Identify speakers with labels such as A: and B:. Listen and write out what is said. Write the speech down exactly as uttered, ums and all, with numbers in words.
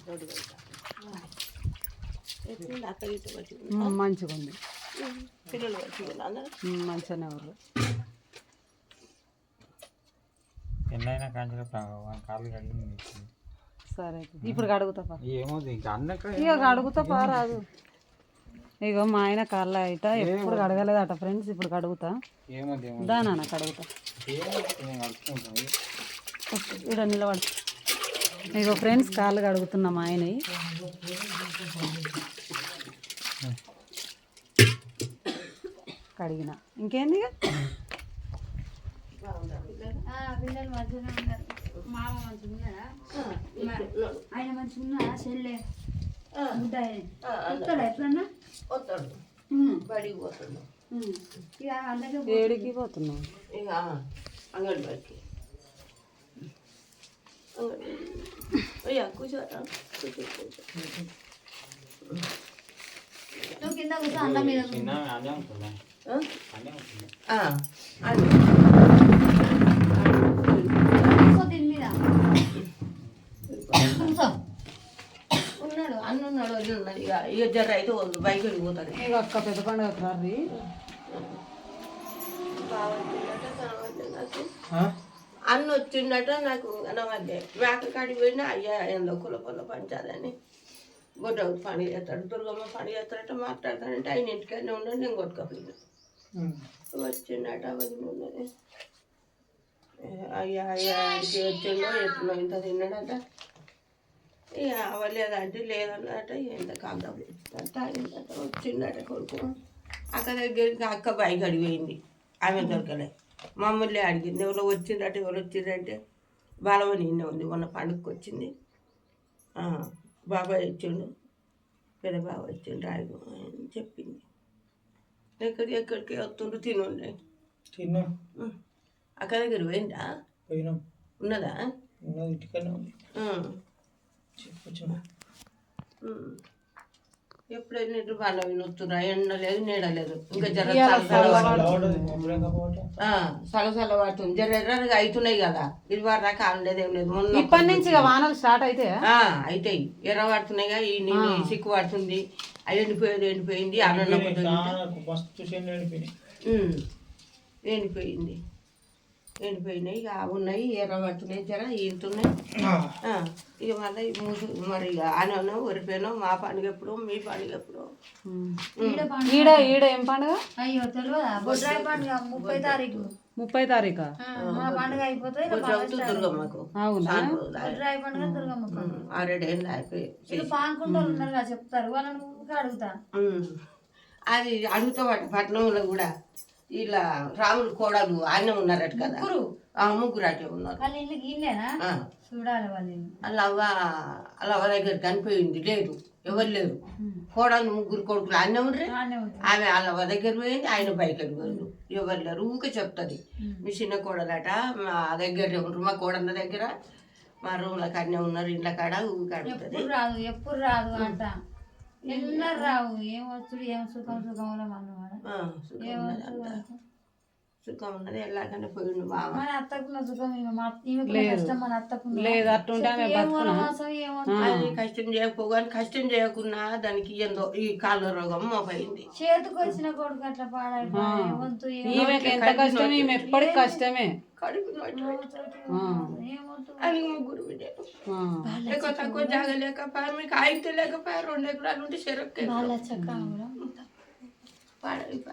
A: మంచిగా ఉంది,
B: పిల్లలు
A: మంచిగానే వాళ్ళు
C: ఎన్నైనా కాంచెలు కాళ్ళు కడిగి
A: సరే ఇప్పుడు కడుగుతా
C: ఏమో ఇంకా అన్నక
A: ఇక కడుగుతా పారాదు. ఇగో మా ఆయన కాళ్ళ అయిట ఎప్పుడు కడగలేదట ఫ్రెండ్స్, ఇప్పుడు కడుగుతా దానా కడుగుతా ఇక్కడ నిలబడి. ఇగో ఫ్రెండ్స్ కాళ్ళు కడుగుతున్నా మా ఆయన. కడిగిన ఇంకేంది
D: పిల్లలు మంచిగా ఉన్నారు. మామ మంచిగా ఉన్నాడా? ఆయన మంచిగా ఉన్నాడా? చెల్లె వస్తాడా ఎప్పుడన్నా?
B: వస్తాడు, బడికి పోతాడు.
D: ఇక అందరికీ
A: ఏడికి పోతున్నావు?
B: ఇక అంగన్వాడికి. అయ్యా కూర్చోరా, కూర్చో కూర్చో.
D: నువ్వు కింద కూర్చో, అన్న మీద దీని మీద
B: ఉన్నాడు, అన్న ఉన్నాడు, వదిలి ఉన్నాడు. ఇక ఇక జర అయితే వద్దు, బైక్ వెళ్ళిపోతాడు.
A: ఇక అక్క పెద్ద పండుగ రారి
B: అన్న వచ్చిండట, నాకు కనవద్దే. మేక కాడికి పోయినా అయ్యా ఏందో కుల పొల పంచాలని గొడ్డకు పని చేస్తాడు, దుర్గమ్మ పని చేస్తాడట. మాట్లాడతాడంటే ఆయన ఇంటికైనా ఉన్నాడు, నేను కొట్టుకపోయినా. వచ్చిండట, వదిలి ఉన్నది. అయ్యా అయ్యా ఇంటికి వచ్చిండో ఎట్లా ఇంత తిన్నాడట. ఇక అవ్వలేదంటే లేదన్నట. ఎంత కాదు తాగిందట. వచ్చిండట కొడుకు. అక్క దగ్గరికి అక్క బైక్ అడిగిపోయింది, ఆమె దొరకలే. మమ్మల్ని అడిగింది ఎవరో వచ్చిందట, ఎవరు వచ్చిందంటే బాలవని నిన్న ఉంది, మొన్న పండుగకి వచ్చింది. బాబాయ్ వచ్చిండు, పెద్ద బాబాయ్ వచ్చిండు రాయకు అని చెప్పింది. ఎక్కడికి ఎక్కడికి వస్తుండ్రు తినుండే.
C: తిన్నా
B: అక్క దగ్గర పోయిందా?
C: పోయినాం.
B: ఉన్నదా?
C: ఇంటికన్నా ఉంది.
B: ఎప్పుడైనా ఇటు వాళ్ళ వినొస్తురా, ఎండ లేదు నీడ లేదు. ఇంకా జర సలసల పడుతుంది, జర ఎర్రగా అవుతున్నాయి కదా. ఇది వారు దాకా ఆడలేదు ఏం లేదు. మొన్న
A: ఇప్పటి నుంచి వానలు స్టార్ట్ అయితే
B: అవుతాయి, ఎర్ర పడుతున్నాయిగా. ఈ నీళ్ళు సిక్కు పడుతుంది, అది ఎండిపోయేది ఎండిపోయింది. అన్నం ఎండిపోయింది ఎండిపోయినాయి. ఇక ఉన్నాయి, ఎర్ర పడుతున్నాయి, జర ఈతున్నాయి. ఇక మళ్ళీ మూసు మరి ఇక ఆనో వరిపోయినో. మా పండుగ ఎప్పుడు, మీ పండుగ ఎప్పుడు?
A: ఈడ ఈడ ఏం పండుగ?
D: అయ్యో తెలియదా? బొడ్రాయి పండుగ ముప్పై తారీఖు.
A: ముప్పై తారీఖు
D: మా పండుగ అయిపోతే
B: దుర్గమ్మకు.
A: అవునా?
D: బొడ్రాయి పండుగ దుర్గమ్మకు.
B: ఆరేడేళ్ళు అయిపోయి
D: పానుకుంటారు ఉన్నారు కదా, చెప్తారు వాళ్ళని అడుగుతా.
B: అది అడుగుతామట పట్నంలో కూడా. ఇలా రాములు కోడలు ఆయన ఉన్నారట కదా, ముగ్గురు అటే ఉన్నారు.
D: వాళ్ళ ఇల్లు ఇల్లేనా? చూడాలి వాళ్ళు.
B: అలా అవ్వ అలా అవ్వ దగ్గర కనిపోయింది, లేదు ఎవరు లేరు. కోడలు ముగ్గురు కొడుకులు ఆయన ఉండ్రి. ఆమె వాళ్ళ అవ్వ దగ్గర పోయింది, ఆయన బయటకు పోయిండు, ఎవరు లేరు. ఊకే చెప్తుంది, మీ చిన్న కోడలట మా దగ్గర ఉండరు, మా కోడల దగ్గర మా రూమ్ల కాడనే ఉన్నారు, ఇండ్ల కాడ ఊకే అడుగుతుంది.
D: ఎప్పుడు రాదు ఎప్పుడు రాదు అంట, ఎన్నరు రావు. ఏం వస్తుడు ఏం సుఖం సుఖంలో మన
B: సుఖం ఉన్నది. ఎలాగనే పోయిండు బావ.
D: మన అత్తకున్న సుఖం కష్టం, మన అత్తకున్న
A: లేదు. అట్టుంటే
B: అది కష్టం చేయకపోగాని కష్టం చేయకున్నా దానికి ఏందో ఈ కాళ్ళ రోగం మోపైంది.
D: చేతికి వచ్చిన కొడుకు అట్లా పాడైపోయి
A: ఎంత కష్టం, ఈమె ఎప్పటికి కష్టమే.
B: అది ముగ్గురు బిడ్డలు, ఎక్కువ తక్కువ జాగా లేకపోయా, మీకు ఆయితే లేకపోయా. రెండు ఎకరాలు ఉంటే చెరొక్కే